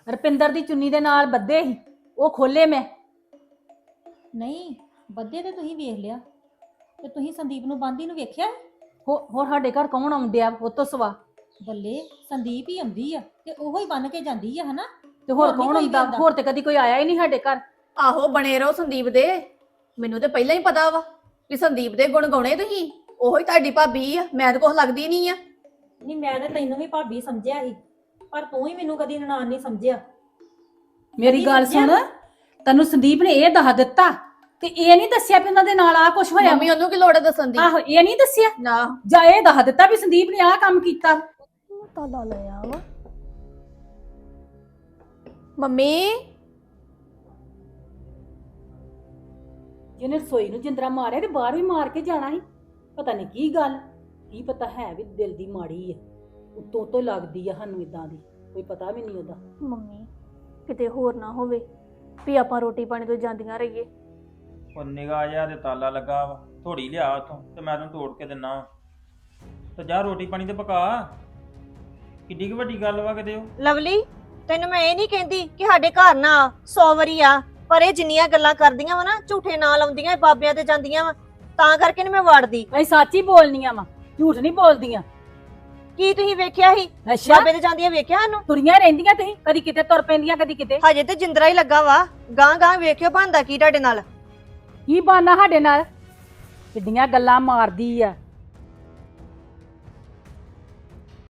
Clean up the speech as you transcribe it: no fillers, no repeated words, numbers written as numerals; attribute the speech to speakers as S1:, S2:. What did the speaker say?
S1: ਰਪਿੰਦਰ ਦੀ ਚੁੰਨੀ ਦੇ ਨਾਲ ਬੱਧੇ ਸੀ, ਉਹ ਖੋਲੇ ਮੈਂ।
S2: ਨਹੀਂ ਬੱਦੇ ਤੇ ਤੁਸੀਂ ਵੇਖ ਲਿਆ, ਤੇ ਤੁਸੀਂ ਸੰਦੀਪ ਨੂੰ ਬੰਦੀ ਨੂੰ ਵੇਖਿਆ?
S1: ਹੋਰ ਸਾਡੇ ਘਰ ਕੌਣ ਆਉਂਦਿਆ ਉਹ ਤੋਂ ਸਵਾ?
S2: ਬੱਲੇ ਸੰਦੀਪ ਹੀ ਆਉਂਦੀ ਆ ਤੇ ਉਹੋ ਹੀ ਬੰਨ ਕੇ ਜਾਂਦੀ ਆ, ਹਨਾ?
S1: ਤੇ ਹੋਰ
S2: ਨੀ
S1: ਕੌਣ
S2: ਕੋਈ
S1: ਆਉਂਦਾ?
S2: ਜਾਂਦਾ।
S1: ਹੋਰ ਤੇ ਕਦੀ ਕੋਈ ਆਇਆ ਹੀ ਨਹੀਂ ਸਾਡੇ ਘਰ।
S3: ਆਹੋ ਬਣੇ ਰਹੋ ਸੰਦੀਪ ਦੇ। ਮੈਨੂੰ ਤੇ ਪਹਿਲਾਂ ਹੀ ਪਤਾ ਵਾ ਕਿ ਸੰਦੀਪ ਦੇ ਗੁਣ ਗਾਉਣੇ ਤੁਸੀਂ। ਉਹੀ ਤੁਹਾਡੀ ਭਾਬੀ ਆ, ਮੈਂ ਤਾਂ ਕੁਛ ਲੱਗਦੀ ਨਹੀਂ ਆ।
S2: ਨਹੀਂ ਮੈਂ ਤਾਂ ਤੈਨੂੰ ਵੀ ਭਾਬੀ ਸਮਝਿਆ ਸੀ, ਪਰ ਤੂੰ ਹੀ ਮੈਨੂੰ ਕਦੀ ਨਨਾਣ ਨਹੀਂ ਸਮਝਿਆ।
S1: ਮੇਰੀ
S2: ਕਦੀ
S1: ਗੱਲ
S2: ਸਮਝਿਆ?
S1: ਸੁਣ, ਤੈਨੂੰ ਸੰਦੀਪ ਨੇ ਇਹ ਦੱਸ ਦਿੱਤਾ ਤੇ ਇਹ ਨਹੀਂ ਦੱਸਿਆ ਵੀ ਉਹਨਾਂ ਦੇ ਨਾਲ ਆ ਕੁਝ ਹੋਇਆ?
S3: ਮੰਮੀ ਉਹਨੂੰ ਕੀ ਲੋੜ ਹੈ ਦੱਸਣ ਦੀ?
S1: ਆਹੋ ਇਹ ਨਹੀਂ ਦੱਸਿਆ
S3: ਨਾ
S1: ਜਾਂ ਇਹ ਦੱਸ ਦਿੱਤਾ ਵੀ ਸੰਦੀਪ ਨੇ ਆਹ ਕੰਮ ਕੀਤਾ?
S3: ਤਾਲਾ ਲਿਆ ਵਾ ਮੰਮੀ।
S1: ਜਿਹਨੇ ਰਸੋਈ ਨੂੰ ਜਿੰਦਰਾ ਮਾਰਿਆ ਤੇ ਬਾਹਰ ਵੀ ਮਾਰ ਕੇ ਜਾਣਾ ਸੀ। ਪਤਾ ਨਹੀਂ ਕੀ ਗੱਲ, ਕੀ ਪਤਾ ਹੈ ਵੀ ਦਿਲ ਦੀ ਮਾੜੀ ਹੈ, ਉੱਤੋਂ ਤੋਂ ਲੱਗਦੀ ਆ ਸਾਨੂੰ ਇਦਾਂ ਦੀ, ਕੋਈ ਪਤਾ ਵੀ ਨਹੀਂ ਉਹਦਾ।
S4: ਮੰਮੀ ਕਿਤੇ ਹੋਰ ਨਾ ਹੋਵੇ ਵੀ ਆਪਾਂ ਰੋਟੀ ਪਾਣੀ ਤੋਂ ਜਾਂਦੀਆਂ ਰਹੀਏ।
S5: ਉਹ ਨਿਗਾਹ ਜਿਹਾ ਤੇ ਤਾਲਾ ਲੱਗਾ ਵਾ, ਥੋੜੀ ਲਿਆ ਉਥੋਂ ਤੇ ਮੈਂ ਤੈਨੂੰ ਤੋੜ ਕੇ ਦਿੰਨਾ ਵਾ। ਤੇ ਜਾ ਰੋਟੀ ਪਾਣੀ ਤੇ ਪਕਾ। ਕਿੱਡੀ ਕੁ ਵੱਡੀ ਗੱਲ ਵਾ ਕਿਤੇ ਉਹ।
S6: ਲਵਲੀ ਤੈਨੂੰ ਮੈਂ ਇਹ ਨਹੀਂ ਕਹਿੰਦੀ ਕਿ ਸਾਡੇ ਘਰ ਨਾ 100 ਵਾਰੀ ਆ, ਪਰ ਇਹ ਜਿੰਨੀਆਂ ਗੱਲਾਂ ਕਰਦੀਆਂ ਵਾ ਨਾ, ਝੂਠੇ ਨਾਲ ਆਉਂਦੀਆਂ, ਬਾਬਿਆਂ ਤੇ ਜਾਂਦੀਆਂ ਵਾ, ਤਾਂ ਕਰਕੇ ਨੀ ਮੈਂ ਵੜਦੀ।
S1: ਅਸੀਂ ਸੱਚ ਹੀ ਬੋਲਨੀਆਂ ਵਾ, ਝੂਠ ਨਹੀਂ ਬੋਲਦੀਆਂ।
S6: ਕੀ ਤੁਸੀਂ ਵੇਖਿਆ ਸੀ
S1: ਅੱਛਾ
S6: ਬਾਬੇ ਤੇ ਜਾਂਦੀਆਂ? ਵੇਖਿਆ ਸਾਨੂੰ
S1: ਤੁਰੀਆਂ ਰਹਿੰਦੀਆਂ ਤੁਸੀਂ, ਕਦੀ ਕਿਤੇ ਤੁਰ ਪੈਂਦੀਆਂ ਕਦੀ ਕਿਤੇ।
S6: ਹਜੇ ਤੇ ਜਿੰਦਰਾ ਹੀ ਲੱਗਾ ਵਾ, ਗਾਂ ਗਾਂ ਵੇਖਿਓ ਬਣਦਾ ਕੀ ਤੁਹਾਡੇ ਨਾਲ।
S1: ਕੀ ਬਾਨਾ ਸਾਡੇ ਨਾਲ? ਕਿੱਡੀਆਂ ਗੱਲਾਂ ਮਾਰਦੀ ਆ।